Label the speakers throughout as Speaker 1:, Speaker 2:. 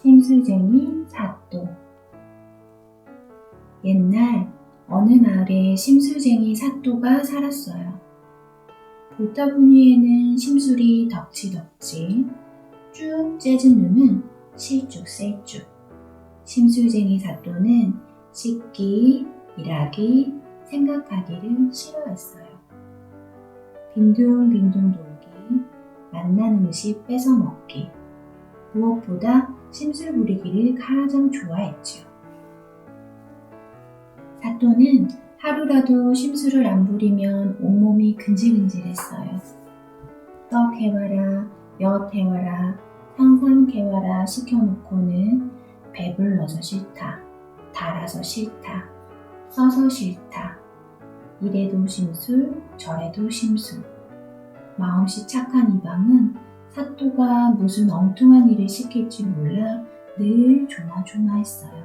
Speaker 1: 심술쟁이 사또. 옛날 어느 마을에 심술쟁이 사또가 살았어요. 볼터분위에는 심술이 덕지덕지, 쭉 째진 눈은 실쭉셀쭉. 심술쟁이 사또는 씻기, 일하기, 생각하기를 싫어했어요. 빈둥빈둥 돌기, 맛난 음식 뺏어 먹기, 무엇보다 심술 부리기를 가장 좋아했죠. 사또는 하루라도 심술을 안 부리면 온몸이 근질근질했어요. 떡 해와라, 엿 해와라, 상삼 해와라 시켜놓고는 배불러서 싫다, 달아서 싫다, 써서 싫다, 이래도 심술, 저래도 심술. 마음씨 착한 이방은 사또가 무슨 엉뚱한 일을 시킬지 몰라 늘 조마조마했어요.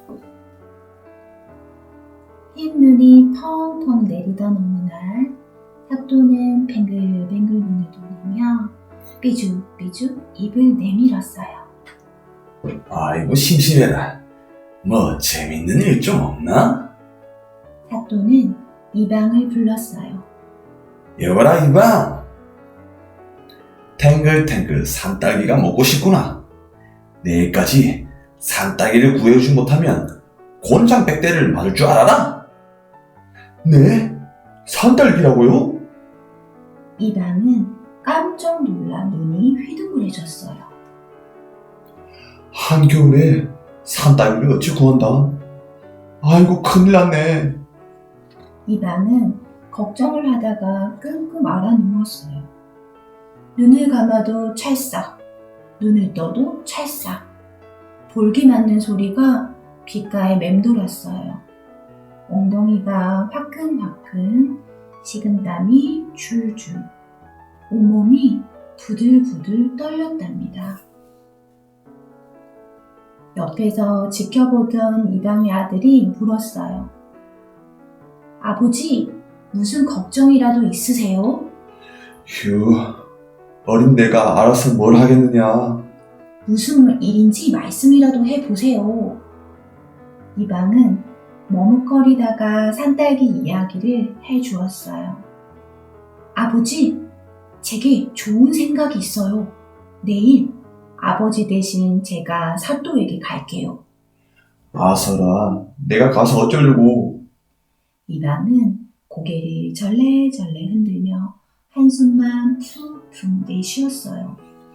Speaker 1: 흰 눈이 펑펑 내리던 어느 날, 사또는 뱅글뱅글 눈을 돌리며 삐죽삐죽 입을 내밀었어요.
Speaker 2: 아이고 심심해라. 뭐 재밌는 일 좀 없나?
Speaker 1: 사또는 이방을 불렀어요.
Speaker 2: 여봐라 이방. 탱글탱글 산딸기가 먹고 싶구나. 내일까지 산딸기를 구해오지 못하면 곤장 100대를 맞을 줄 알아라? 네? 산딸기라고요?
Speaker 1: 이방은 깜짝 놀라 눈이 휘둥그레졌어요.
Speaker 2: 한겨울에 산딸기를 어찌 구한다? 아이고 큰일 났네.
Speaker 1: 이방은 걱정을 하다가 끙끙 앓아 누웠어요. 눈을 감아도 찰싹, 눈을 떠도 찰싹. 볼기 맞는 소리가 귓가에 맴돌았어요. 엉덩이가 화끈화끈, 식은땀이 줄줄, 온몸이 부들부들 떨렸답니다. 옆에서 지켜보던 이방의 아들이 물었어요. 아버지, 무슨 걱정이라도 있으세요?
Speaker 2: 휴, 어린 내가 알아서 뭘 하겠느냐.
Speaker 1: 무슨 일인지 말씀이라도 해보세요. 이방은 머뭇거리다가 산딸기 이야기를 해주었어요. 아버지, 제게 좋은 생각이 있어요. 내일 아버지 대신 제가 사또에게 갈게요.
Speaker 2: 아서라, 내가 가서 어쩌려고.
Speaker 1: 이방은 고개를 절레절레 흔들며 한숨만 푹푹 내쉬었어요.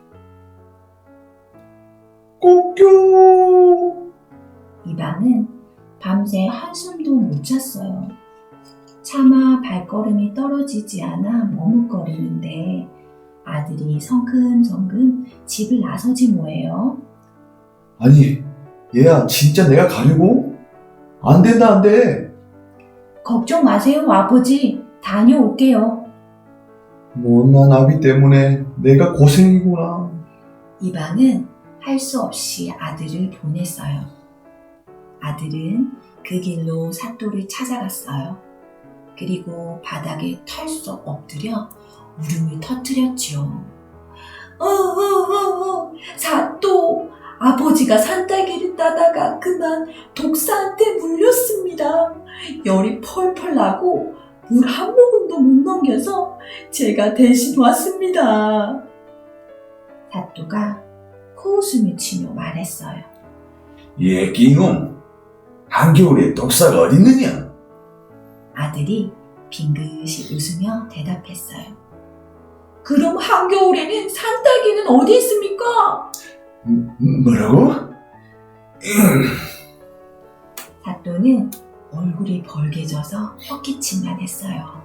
Speaker 2: 꼬끼.
Speaker 1: 이방은 밤새 한숨도 못 잤어요. 차마 발걸음이 떨어지지 않아 머뭇거리는데 아들이 성큼성큼 집을 나서지 뭐예요?
Speaker 2: 아니, 얘야 진짜 내가 가려고? 안 된다 안 돼.
Speaker 1: 걱정 마세요, 아버지. 다녀올게요.
Speaker 2: 못난 아비 때문에 내가 고생이구나.
Speaker 1: 이방은 할 수 없이 아들을 보냈어요. 아들은 그 길로 사또를 찾아갔어요. 그리고 바닥에 털썩 엎드려 울음을 터뜨렸지요. 사또, 아버지가 산딸기를 따다가 그만 독사한테 물렸습니다. 열이 펄펄 나고 물 한 모금도 못 넘겨서 제가 대신 왔습니다. 사또가 코웃음을 치며 말했어요.
Speaker 2: 얘끼놈, 한겨울에 독사가 어딨느냐?
Speaker 1: 아들이 빙긋이 웃으며 대답했어요. 그럼 한겨울에는 산딸기는 어디 있습니까?
Speaker 2: 뭐라고?
Speaker 1: 사또는 얼굴이 벌개져서 헛기침만 했어요.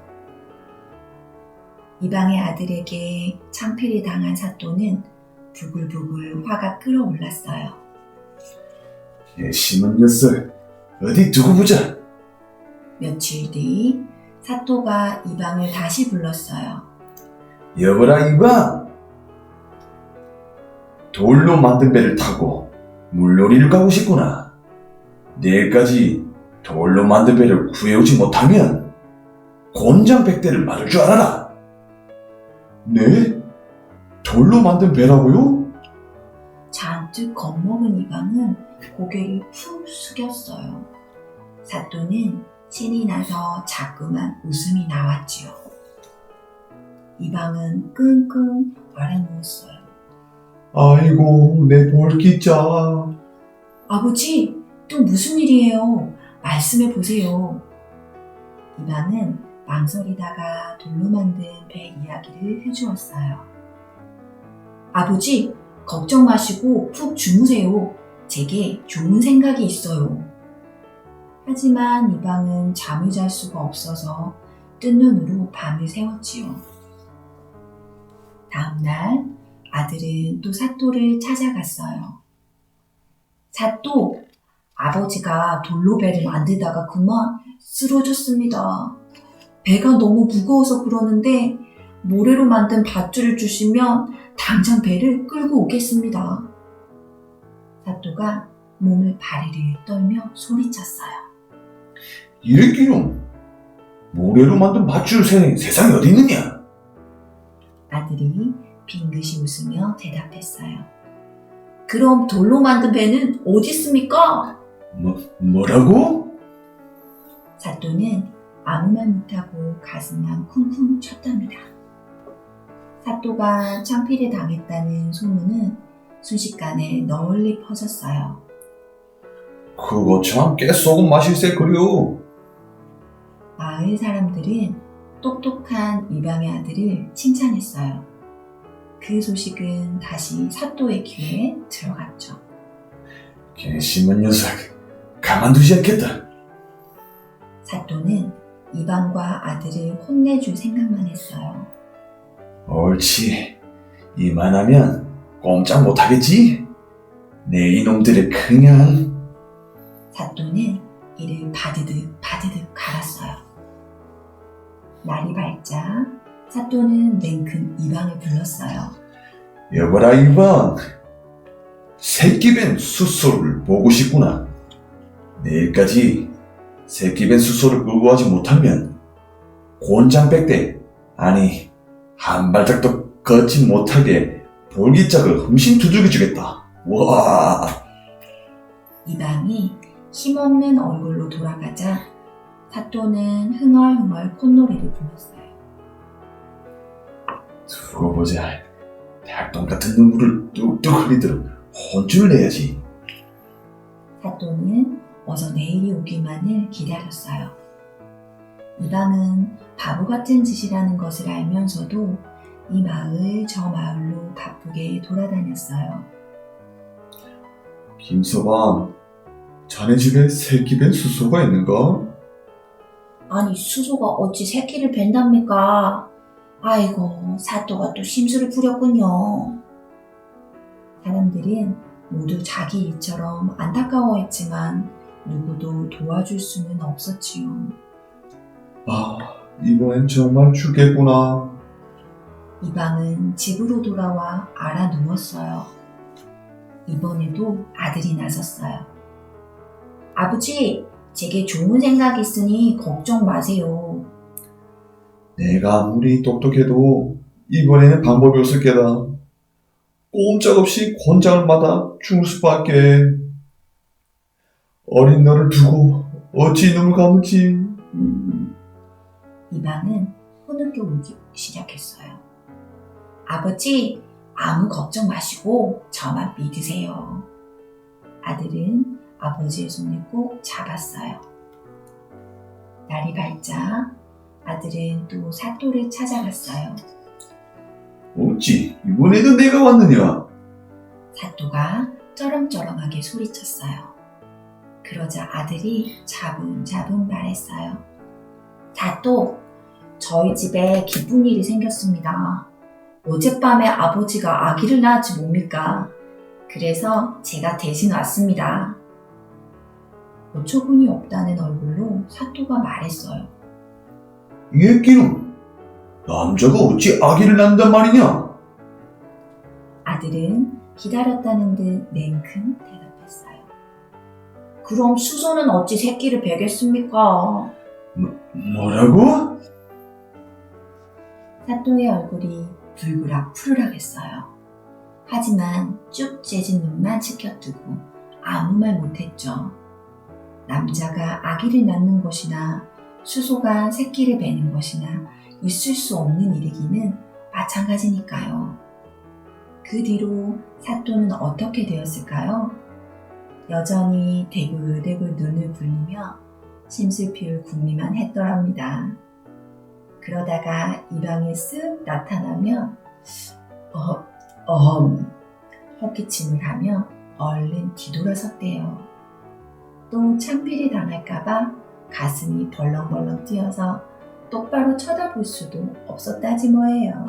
Speaker 1: 이방의 아들에게 창피를 당한 사또는 부글부글 화가 끓어올랐어요.
Speaker 2: 심한 녀석, 어디 두고 보자.
Speaker 1: 며칠 뒤 사또가 이방을 다시 불렀어요.
Speaker 2: 여보라 이방, 돌로 만든 배를 타고 물놀이를 가고 싶구나. 내일까지 돌로 만든 배를 구해오지 못하면 곤장 100대를 맞을 줄 알아라. 네? 돌로 만든 배라고요?
Speaker 1: 문득 겁먹은 이방은 고개를 푹 숙였어요. 사또는 신이 나서 자꾸만 웃음이 나왔지요. 이방은 끙끙 앓아누웠어요.
Speaker 2: 아이고, 내 볼기자.
Speaker 1: 아버지, 또 무슨 일이에요? 말씀해 보세요. 이방은 망설이다가 돌로 만든 배 이야기를 해주었어요. 아버지, 걱정 마시고 푹 주무세요. 제게 좋은 생각이 있어요. 하지만 이방은 잠을 잘 수가 없어서 뜬 눈으로 밤을 새웠지요. 다음날 아들은 또 사또를 찾아갔어요. 사또, 아버지가 돌로 배를 만들다가 그만 쓰러졌습니다. 배가 너무 무거워서 그러는데 모래로 만든 밧줄을 주시면 당장 배를 끌고 오겠습니다. 사또가 몸을 바리르 떨며 소리쳤어요.
Speaker 2: 이랬기는 모래로 만든 밧줄 세상에 어디 있느냐?
Speaker 1: 아들이 빙긋이 웃으며 대답했어요. 그럼 돌로 만든 배는 어디 있습니까?
Speaker 2: 뭐라고?
Speaker 1: 사또는 아무 말 못하고 가슴만 쿵쿵 쳤답니다. 사또가 창피를 당했다는 소문은 순식간에 널리 퍼졌어요.
Speaker 2: 그거 참 깨소금 맛일세 그려.
Speaker 1: 마을 사람들은 똑똑한 이방의 아들을 칭찬했어요. 그 소식은 다시 사또의 귀에 들어갔죠.
Speaker 2: 개심한 녀석, 가만두지 않겠다.
Speaker 1: 사또는 이방과 아들을 혼내줄 생각만 했어요.
Speaker 2: 옳지, 이만하면 꼼짝 못하겠지? 내 이놈들을 그냥...
Speaker 1: 사또는 이를 바드득 갈았어요. 날이 밝자 사또는 냉큼 이방을 불렀어요.
Speaker 2: 여보라 이방, 새끼뱀 숫소를 보고 싶구나. 내일까지 새끼뱀 숫소를 끌고 가지 못하면 곤장백대, 아니 한 발짝도 걷지 못하게 볼기짝을 흠씬 두들겨 주겠다. 와!
Speaker 1: 이방이 힘없는 얼굴로 돌아가자 사또는 흥얼흥얼 콧노래를 불렀어요.
Speaker 2: 두고 보자. 닭똥 같은 눈물을 뚝뚝 흘리도록 혼쭐을 내야지.
Speaker 1: 사또는 어서 내일이 오기만을 기다렸어요. 이방은 바보 같은 짓이라는 것을 알면서도 이 마을 저 마을로 바쁘게 돌아다녔어요.
Speaker 2: 김서방, 자네 집에 새끼뱀 숫소가 있는가?
Speaker 1: 아니 수소가 어찌 새끼를 벤답니까? 아이고 사또가 또 심술을 부렸군요. 사람들은 모두 자기 일처럼 안타까워했지만 누구도 도와줄 수는 없었지요.
Speaker 2: 아, 이번엔 정말 죽겠구나.
Speaker 1: 이방은 집으로 돌아와 알아 누웠어요. 이번에도 아들이 나섰어요. 아버지, 제게 좋은 생각이 있으니 걱정 마세요.
Speaker 2: 내가 아무리 똑똑해도 이번에는 방법이 없을 게다. 꼼짝없이 권장을 받아 죽을 수밖에. 어린 너를 두고 어찌 이놈을 감을지.
Speaker 1: 이방은 흐느껴 울기 시작했어요. 아버지, 아무 걱정 마시고 저만 믿으세요. 아들은 아버지의 손을 꼭 잡았어요. 날이 밝자 아들은 또 사또를 찾아갔어요.
Speaker 2: 어찌 이번에도 내가 왔느냐?
Speaker 1: 사또가 쩌렁쩌렁하게 소리쳤어요. 그러자 아들이 자분자분 말했어요. 사또, 저희 집에 기쁜 일이 생겼습니다. 어젯밤에 아버지가 아기를 낳았지 뭡니까? 그래서 제가 대신 왔습니다. 어처구니 없다는 얼굴로 사또가 말했어요.
Speaker 2: 이 애끼는 남자가 어찌 아기를 낳는단 말이냐?
Speaker 1: 아들은 기다렸다는 듯 냉큼 대답했어요. 그럼 수소는 어찌 새끼를 베겠습니까?
Speaker 2: 뭐라고?
Speaker 1: 사또의 얼굴이 불그락 푸르락했어요. 하지만 쭉 재진 눈만 치켜뜨고 아무 말 못했죠. 남자가 아기를 낳는 것이나 수소가 새끼를 베는 것이나 있을 수 없는 일이기는 마찬가지니까요. 그 뒤로 사또는 어떻게 되었을까요? 여전히 대굴대굴 눈을 굴리며 심술피울 궁리만 했더랍니다. 그러다가 이방에 쓱 나타나면 헛기침을 하며 얼른 뒤돌아섰대요. 또 참비리 당할까봐 가슴이 벌렁벌렁 뛰어서 똑바로 쳐다볼 수도 없었다지 뭐예요.